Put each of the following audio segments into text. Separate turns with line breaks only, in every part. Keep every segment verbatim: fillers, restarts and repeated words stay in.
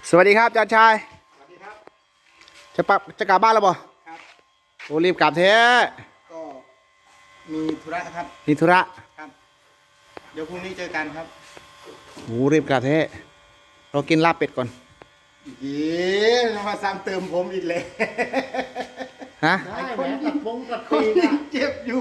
สวัสดีครับอาจารย์ชาย
สวัสดีครับ
จะปับจะกลับบ้านแล้วบ่
ครับ
โอ้รีบกลับเถอะ
ก็มีธุระครับ
มีธุระ
ครับเดี๋ยวพรุ่งนี้เจอกันครับ
โอ้รีบกลับเถอะเรากินลาบเป็ดก่อน
เย้มาซ้ำเติมผมอีกเลย
ฮะ
ไอ้คนยิงบงกับตีนเจ็บอยู่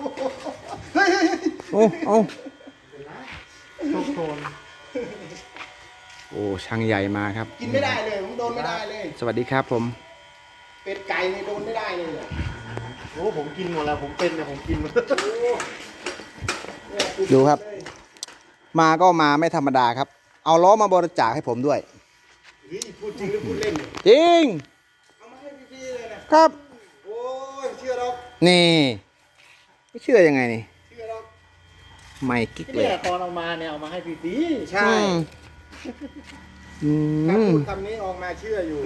โอ้โอ้
ทุกคน
โอ้ช่างใหญ่มาครับ
กินไม่ได้เลยผมโดนไม่ได้เลย
สวัสดีครับผม
เป็ดไก่เนี่ยโดนไม่ได้เลย
โอ้ผมกินหมดแล้วผมเป็นเนี่ยผมกินหมด
ดูครับมาก็มาไม่ธรรมดาครับเอาล้อมาบริจาคให้ผมด้วย
พูดจริงหรือพูดเล่น
จริง
เอามาให้พี่ๆเลยนะครับโอ้ยเชื่อเรา
นี่ไม่เชื่อยังไงนี่
เชื่อเรา
ไม่กิ๊กเลย
ตอนเอามาเนี่ยเอามาให้พี่ตี
ใช่
อื
ถ้าพู
ม
ดคำนี้ออกมาเชื่ออยู่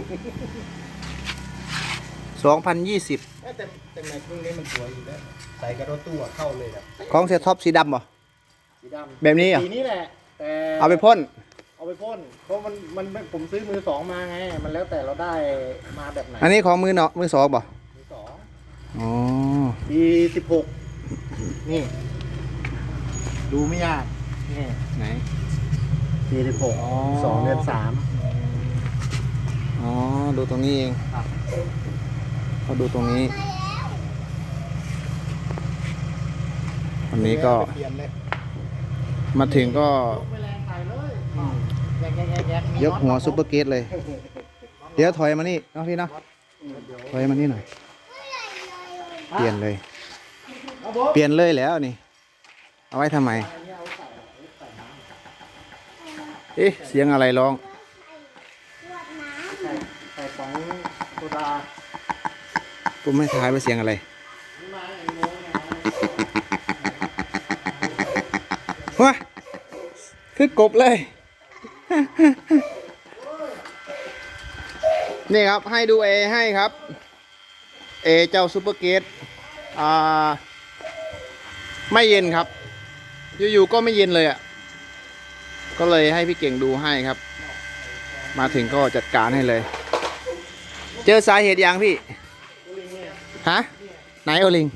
สองพันยี่สิบ
แต่แต่แม็กรุ่นนี้มันสวยอยู่แล้วใส่กระโดดตู้เข้าเลยครับ
ของเสียท็อปสีดำป่ะ
สีดำ
แบบนี้อ่ะ
สีนี้แหละแต่
เอาไปพ่น
เอาไปพ่นเพราะมันมันผมซื้อมือสองมาไงมันแล้วแต่เราได้มาแบบไหน
อันนี้ของมือเนาะมือสองป่ะ
มือสอง
อ๋อ
ปีสิบหกนี่ดูไม่ยากนี่
ไหน
ปีสิบหกสองเดือนสาม
อ๋อดูตรงนี้เองเขาดูตรงนี้วันนี้ก็มาถึงก็ยกหัวซุปเปอร์เกตเลยเดี๋ยวถอยมานี่น้องพี่นะถอยมานี่หน่อยเปลี่ยนเลยเปลี่ยนเลยแล้วนี่เอาไว้ทำไมเอ๊ะเสียงอะไรร้อง
ใส่ของโซดา
ผมไม่ทายว่าเสียงอะไรว้าคือกบเลยนี่ครับให้ดูเอให้ครับเอเจ้าซูเปอร์เกตอ่าไม่เย็นครับอยู่ๆก็ไม่เย็นเลยอ่ะก็เลยให้พี่เก่งดูให้ครับมาถึงก็จัดการให้เลยเจอสาเหตุยังพี่ฮะไหนโอลิง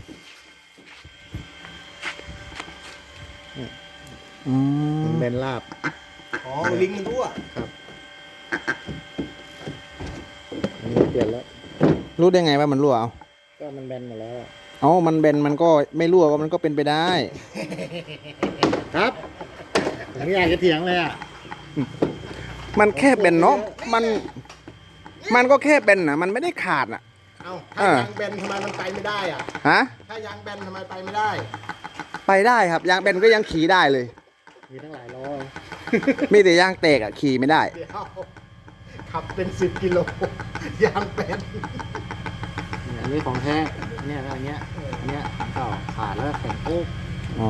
อืม
เป็นลาบ
อ๋อลิงมันรั่ว
ครับอันนี้เปลี่ยนแล้ว
รู้ได้ไงว่ามันรั่วเอา
ก็มันแบนหมดแล้ว
เอามันแบนมันก็ไม่รั่วก็มันก็เป็นไปได้
ครับผมไม่อยากจะเถียงเลยอ่ะ
มันแค่แบนเนาะมันมันก็แค่แบนนะมันไม่ได้ขาดอ่ะ
เอ้าถ้ายางแบนทำไมมันไปไม่ได้อ่ะ
ฮะ
ถ้ายางแบนทำไมไปไม่ได้
ไปได้ครับยางแบนก็ยังขี่ได้เลย
มีทั้งหลายล้อ
มีแต่ยางแตกอ่ะขี่ไม่ได้
เดี๋ยวขับเป็นสิบกิโลยางแบน
อันนี้ของแท้เนี่ยอันเนี้ยอันเนี้ยเก่าขาดแล้วแข็งโอ๊ก
อ๋อ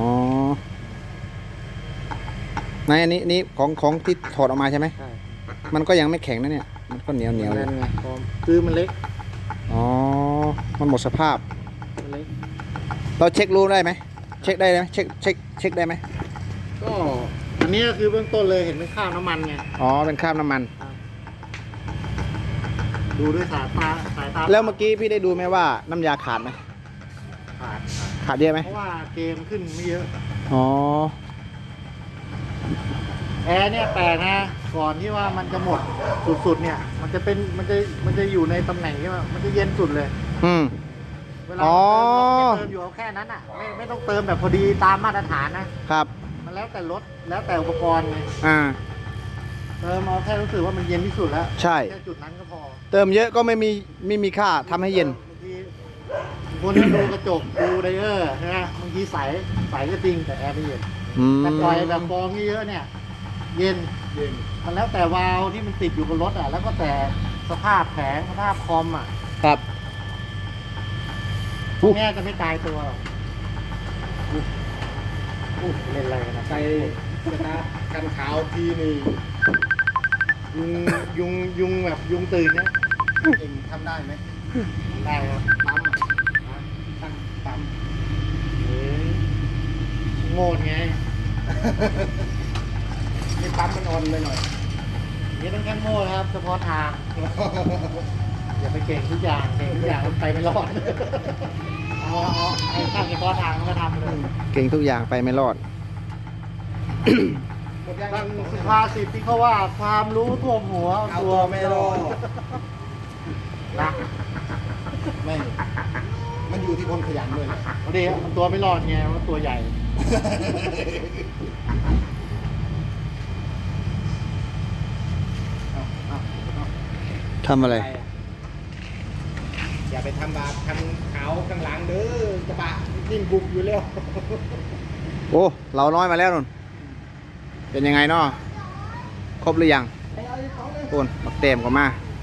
ในอันนี้นี่ของของที่ถอดออกมาใช่ไหม
ใช่
มันก็ยังไม่แข็งนะเนี่ยมันก็เหนียวเหนียว
นั่นไงคือมันเล็ก
อ๋อมันหมดสภาพ
มันเล็ก
เราเช็ครู้ได้ไหมเช็คได้ไหมเช็คเช็คเช็คได้ไหม
ก็อันนี้คือเบื้องต้นเลยเห็นเป็นข้าวน้ำมันไง
อ๋อเป็นคราบน้ำมัน
ดูด้วยสายตาสายตา
แล้วเมื่อกี้พี่ได้ดูไหมว่าน้ำยาขาดไหม
ขาด
ขาดเยอะไหม
เพราะว่าเกมขึ้นไม่เยอะ
อ๋อ
แอร์เนี่ยแปลกนะก่อนที่ว่ามันจะหมดสุดๆเนี่ยมันจะเป็นมันจะมันจะอยู่ในตำแหน่งที่ว่ามันจะเย็นสุดเลย
อืม
เวลาเติมเราเติมอยู่เอาแค่นั้นอ่ะไม่ไม่ต้องเติมแบบพอดีตามมาตรฐานนะครับมันแล้วแต่รถแล้วแต่อุปกรณ์ไง
อ่า
เติมเอาแค่รู้สึกว่ามันเย็นที่สุดแล้ว
ใช่
แค่จุดนั้นก็พอ
เติมเยอะก็ไม่มีไม่มีค่าทำให้เย็น
บางทีคนดูกระจกดูไดเออร์นะบางทีใสใสก็จริงแต่แอร์ไม่เย็นแต่ปล่อยแบบฟองเยอะเนี่ยเย็น
เย็น
มันแล้วแต่วาล์วที่มันติดอยู่บนรถอ่ะแล้วก็แต่สภาพแผงสภาพคอมอ่ะ
ครับ
พวกนี้จะไม่ตายตัวหรอกเล่นอะไรกันนะ
ใส่กระทะกันขาวทีนี่
ยุงยุงยุงแบบยุงตื่นนะ
เองทำได้ไหม
ได้ครับ
ปั๊มตั้งปั๊ม
โง่ไง
นี่ปั๊มมันอ่อนไปหน่อย
นี่ต้องแค่โม่นะครับเฉพาะทางอย่าไปเก่งทุกอย่างเก่งทุกอย่างมันไปไม่รอดเอาเอาไอ้ข้างเฉพาะทางมันก็ทำเลย
เก่งทุกอย่างไปไม่รอด
บางสุภาษิตที่เขาว่าความรู้ท่วมหัว
เอา
ตั
ตัว วไม่รอด
นะ
ไม่ มันอยู่ที่คนขยันด้วยแหละ
พอดีมันตัวไม่รอดไงว่าตัวใหญ่
เอาเอาเอา
ทำอะไร
อย่าไปทำบาปคันขาวข้างหลังเด้อกระบะยิ่งบุกอยู่แล้ว
โอ้ เราน้อยมาแล้วนุ่น เป็นยังไงเนาะครบหรือยังโอนบักเต็มก็มา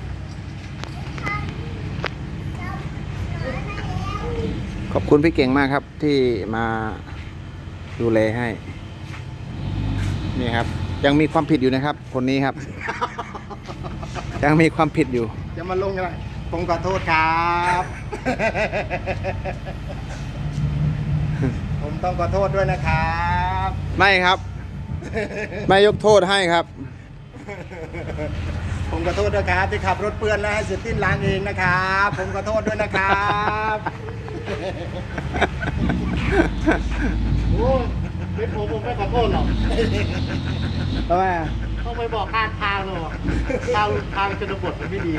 ขอบคุณพี่เก่งมากครับที่มาดูแลให้ นี่ครับ ยังมีความผิดอยู่นะครับ คนนี้ครับ ยังมีความผิดอยู่
จะมาลงอะไรผมขอโทษครับ ผมต้องขอโทษด้วยนะครับ
ไม่ครับ ไม่ยกโทษให้ครับ
ผมขอโทษด้วยครับที่ขับรถเปื้อนแล้วให้เสียติ้นล้างเองนะครับ ผมขอโทษด้วยนะครับ
โอ้ยเป็นผมผมไม่ขอโทษหรอก
ทำไมอ่ะ
ต้องไปบอกข้างทางเลยบอกทางทางชนบทมันไม่ดี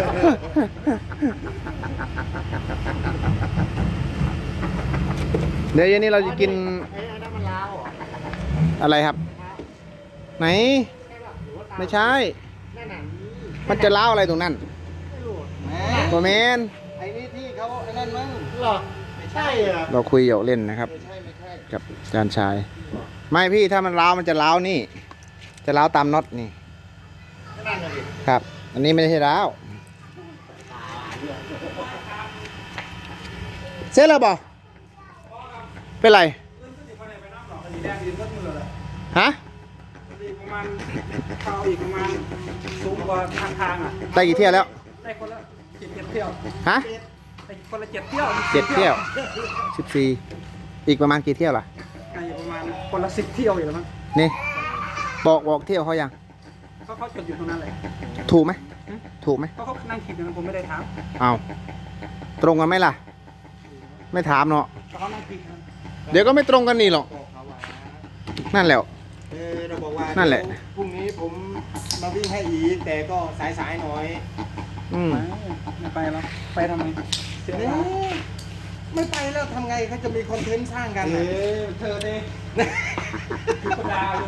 เดี๋ยวเย็นนี้เราจะกิน
ไอ้อันนั้นมันล้าวเหรอ
อะไรครับ ไหน
ใช่ป่ะหรือว่าตา
ไม่ใช่
นั่นน่ะ
มันจะเล้าวอะไรตรงนั้น
ไม่รู้
แหม
โมเมน
ไอ้นี่ที่เขาไอ้นั่นมั้ง
เหรอไม่ใช่เหรอ
เราคุยหยอกเล่นนะครับ
ไม่ใช่ไม่ใช่
กับอาจารย์ชาย ไม่พี่ถ้ามันเล้าวมันจะเล้าวนี่ จะเล้าวตามน็อตนี่
นั่นน่ะดิ
ครับ อันนี้ไม่ใช่เล้าวเสร็จแล้วบ่เป็นไรฮะ
ประมาณเท้าอีกประมาณสูงกว่าทางทางอ่ะ
ได้กี่เที่ยวแล้ว
ได้คนละเจ็ดเจ็ดเที่ยว
ฮะ
ได้คนละเจ็ดเที่ยว
เจ็ดเที่ยวสิบสี่อีกประมาณกี่เที่ยวล่ะ
น่าจะประมาณคนละสิบเที่ยวอยู่แล้วมั้ง
นี่ บอกบอกเที่ยวเขายัง
เขาเขาจดอยู่ตรงนั้นเลย
ถูกไหมถูกไหม
เขาเขานั่งคิดอยู่นะผมไม่ได้ถาม
เอาตรงกันไหมล่ะ ไม่ถามเนาะ
แต่เขานั่งคิดนะ
เดี๋ยวก็ไม่ตรงกันนี่หรอก
บอกเขาว่า
นั่นแหละ
เออเราบอกว่า
นั่นแหละ
เดี๋ยวพรุ่งนี้ผมมาวิ่งให้อีกแต่ก็สายๆหน่อย
อืม
ไม่ไปแล้วไปทำไมเสียเว
เอ๊
ลา
ะไม่ไปแล้วทำไงเขาจะมีคอนเทนต์สร้างกัน
เอ
น่ะ
อเธอดิธรรมดาอยู่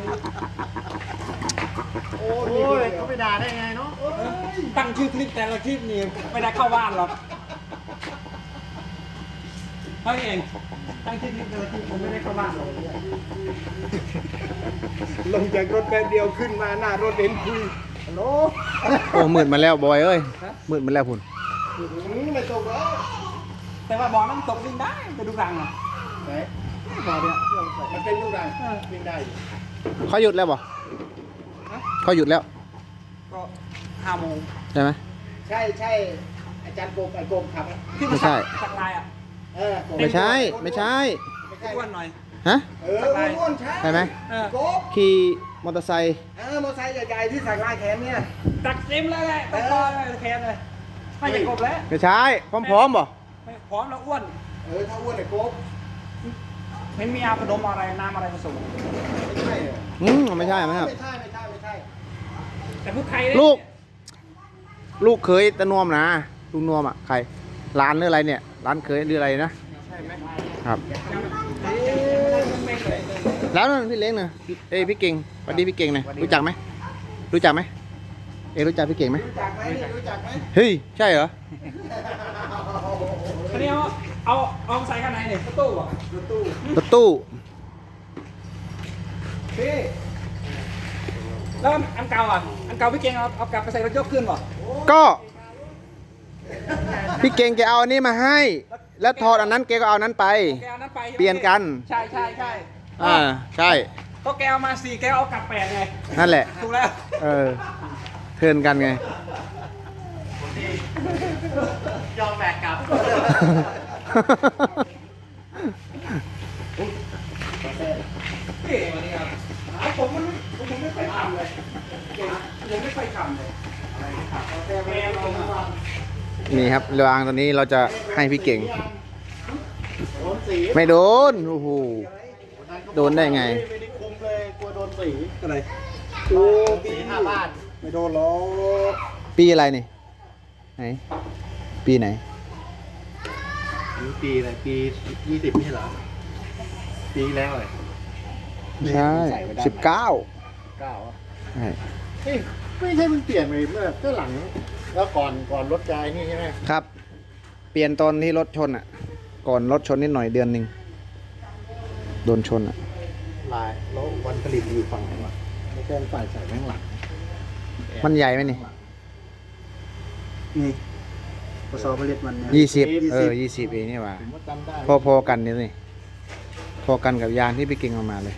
โอ้
โอ้
มีคน
ย
เดียว
เขาไปด่าได้ไงเนาะ
ตั้งชื่อคลิปแต่ละคลิปนี่ไม่ได้เข้าบ้านหรอกเขาเองตั้งชื่อคลิปแต่ละคลิปผมไม่ได้เข้าบ้านหรอก
ลงจากรถแป๊บเดียวขึ้นมาหน้ารถเห็นคุยฮัลโหล
โอ้มืดมาแล้วบอยเอ้ยมืดมาแล้วพุ่น
อืมไม่ตกแล้ว
แต่ว่าบอลมันตกวิ่งได้ไปดูรังอ่ะ
ไหน
บอลเนี่ย
มันเป็นลูกรังวิ่งได้อยู่
เขาหยุดแล้วบ่เขาหยุดแล้ว
ก็ห้าโมง
ใช่ไหม
ใช่ใช่อาจารย์โกมไอ้โกมขับอะ
ที่
ไม่ใช่
สักลายอ่ะ
เออโก
ไม่ใช่ ไม่ใช่
ไม่ใช่
อ้วนหน่อย
ฮะ
เอออ้วนๆใช่
ใช่ไหม
เออ
โกม
ขี่มอเตอร์ไซค์
เออมอเตอร์ไซค์ใหญ่ๆที่สักลายแขนเนี่ย
ตักเต็มเลยแหละตักคอเลยแคนเลยไม่จะกบแล้ว
ไม่ใช่พร้อมๆบ่
ไม่พร้อมแล้วอ้วน
เออถ้าอ้วนไอ้โกม
ไม่มีอาขนมอะไรน้ำอะไรผสม
ไม่ใช่เหรอ
อืมไม่ใช่ไหมครับ
ไม่ใช่ไม่ใช่ไม่ใช่
แต่พูดไทย
ลูก ลูกเคยตะนวมนะลูกนวมอ่ะใครร้านหรืออะไรเนี่ย ร้านเคยหรืออะไรนะ
ใช่ไหม
ครับ
เอ๊ะไม่เลย
แล้วนั่นพี่เล้งนะเอ้ยพี่เก่งสวัสดีพี่เก่งหนะรู้จักไหมรู้จักไหมเอ้ยรู้จักพี่เก่งไหม
รู้จักไหมนี่รู้จักไหม
เฮ้ยใช่เหรอ
ทีนี้เอาเอาเอาใส่ข้างในเนี่ยตู้อ่ะ
รถตู้
รถตู้
พี่
แล้วอันเก่าอ่ะอันเก่าพี่เก่งเอาเอากลับไปใส่รถยกขึ้นป่ะ
ก็พี่เก่งแกเอาอันนี้มาให้ แล้วถอดอันนั้นแกก็เอาอันนั้นไป
แกเอานั้นไปใช่ไหม
เปลี่ยนกัน
ใช่ใช่ใช่
อ่าใช่
ก็แกเอามาสี่แกเอากลับแปดไง
นั่นแหละ
ถูกแล้ว
เออเทิร์นกันไง
ยอมแบกกลับ
เก่งวันนี้ครับผมมันผมไม่ค่อยทำเลยเก่งผมไม่ค่อยทฉ่ำเลยแกลงมา
นี่ครับรางตัวนี้เราจะให้พี่เก่ง
โดนสี
ไม่โดนโอ้โห โดนได้ไง
ไม่ได้คุมเลยกลัวโดนสี
อะไร
โอ้สีหน้าบ้าน
ไม่โดนหรอก
ปีอะไรนี่ไหนปีไหน
นี่ปีอะไรปียี่สิบนี่เหรอปีแล้วเลย
ใช่สิบเก้า
เก้าอ่ะ
ใช่
เฮ้ยไม่ใช่มันเปลี่ยนไปเมื่อก็หลังแล้วก่อนก่อนรถกายนี่ใช่ไหม
ครับ เปลี่ยนตอนที่รถชนอ่ะ ก่อนรถชนนิดหน่อยเดือนหนึ่งโดนชนอ่ะ
ลายแล้ววันผลิตอยู่ฝั่งไหนวะไม่ใช่ฝ่ายใส่แม่งหลัง
มันใหญ่ไหมนี่
นี่ผสมผลิตมันเนี่ย
ยี่สิบเออยี่สิบเองนี่หว่า
ผมว่าจำได้
พอพอกันนี่นี่พอกันกับยางที่พี่เก่งเอามาเลย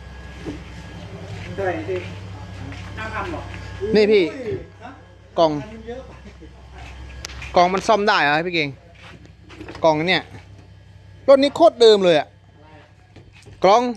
ได้ดิห้าพันหรอ
นี่พี่กล่องกล่องมันซ่อมได้เหรอพี่เก่งกล่องเนี่ยรถนี้โคตรเดิมเลยอะกล่อง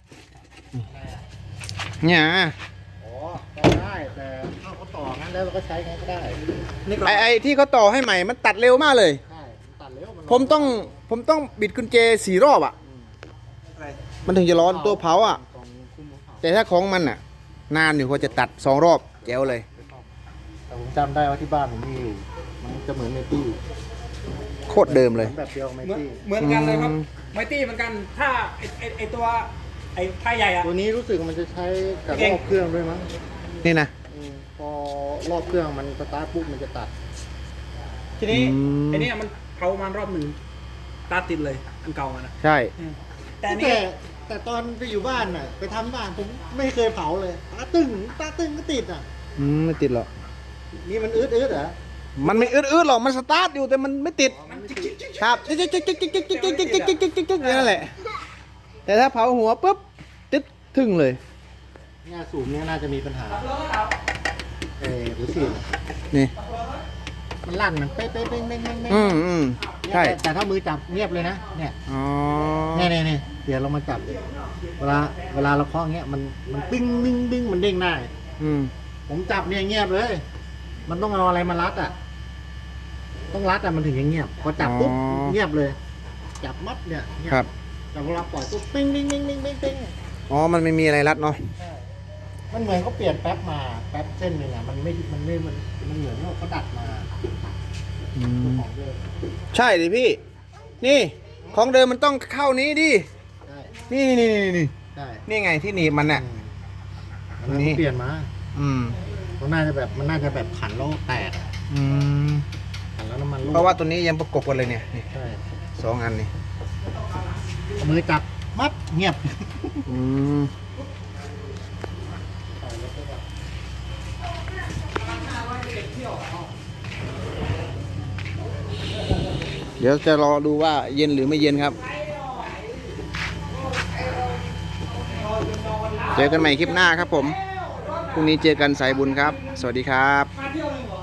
เนี่ย
อ๋อต่อได้แต่ถ้าเขาต่องั้นแล้วเราก็ใช้งั้นก็ได้
นี่ก็
ไอไอที่เขาต่อให้ใหม่มันตัดเร็วมากเลย
ใช่มันตัดเร็วมัน
ผมต้องผมต้องบิดกุญแจสี่รอบอะ
อะไร
มันถึงจะร้อนตัวเผาอะ
กองคุ้มของเขา
แต่ถ้าของมันอะนานอยู่กว่าจะตัดสองรอบแจ๋วเลย
แต่ผมจำได้ว่าที่บ้านผมมีอยู่มันจะเหมือนเมตี้
โคตรเดิมเลย
แบบเดียวกับเม
เหมือน
ตี้
เหมือนกันเลยครับ
อืม
ไมตี้เหมือนกัน ถ้าไอไอไอตัวไอไทยใหญ่อะ
ตัวนี้รู้สึกมันจะใช้กับ
เก่
รง อบเครื่องด้วยมั้ง
นี่นะ
อืมพอรอบเครื่องมันสตาร์ทปุ๊บมันจะตัด
ทีนี้
อืม
ไอเนี้ยมันเผามันรอบหนึ่งตาติดเลยอันเก่าอะนะ
ใช่
แต่อัน
แต่
นี้
แต่ตอนไปอยู่บ้านน่ะไปทำบ้านผมไม่เคยเผาเลยตาตึงตาตึงก็ติดอ่ะ
อืมไม่ติดหรอก
นี่มันอืดอืดเหรอ
มันไม่อืดๆหรอกมันสตาร์ทอยู่แต่มันไม่ติดครับจิ๊กจิ๊กจิ๊กจิ๊กจิ๊กจิ๊กจิ๊กจิ๊กจิ๊กจิ๊กจิ๊กจิ๊กจิ๊กนั่นแหละแต่ถ้าเผาหัวปุ๊บติดทึ่งเลย
เนี่ยสูบเนี่ยน่าจะมีปัญหาเออหรือสิ
นี่
มันลั่นมันเป๊ะเป๊ะเป๊ะเป๊ะเป๊ะเป๊ะ
อืมอืม
เนี่ย
ใช่
แต่แต่ถ้ามือจับเงียบเลยนะเนี่ย
อ๋อ
เนี่ยเนี่ยเนี่ยเดี๋ยวเรามาจับ เวลาเวลาเราเคาะเงี้ยมันมันปิ้งบิ้งบิ้งมันเด้งได้
อืม
ผมจับเนี่ยเงียบเลย มันต้องเอาอะไรมารัดอ่ะ ต้องรัดอ่ะมันถึงจะเงียบ พอจับปุ๊บเงียบเลย จับมัดเนี่ยเงีย
ครับ
แต่เวลาปล่อยปุ๊บปิ้งปิ้งปิ้งปิ้งปิ้งปิ้ง
อ๋อมันไม่มีอะไรรัดเนาะ
มันเหมือนเขาเปลี่ยนแป๊บมาแป๊บเส้นหนึ่งอ่ะมันไม่มันไม่มันมันเหมือนว่าเขาดัดมา
อืม
ของเดิม
ใช่ดิพี่ นี่ของเดิมมันต้องเข้านี้ดิ
ใช่
นี่นี่นี่นี่
ใช่
นี่ไงที่หนีบมันน่ะ
อืมอันนั้นเขาเปลี่ยนมา
อืม
มันน่าจะแบบมันน่าจะแบบขันแล้วแตกอะ
อืม
ขันแล้วน้ำมันรั่ว
เพราะว่าตัวนี้ยังประกบกันเลยเนี่ยนี่
ใช่
สองอันนี่
เอามือจับมัดเงียบ
อืมเดี๋ยวจะรอดูว่าเย็นหรือไม่เย็นครับ เจอกันใหม่คลิปหน้าครับผม พรุ่งนี้เจอกันสายบุญครับ สวัสดีครับ
มาเที่ยวหนึ่งเหรอ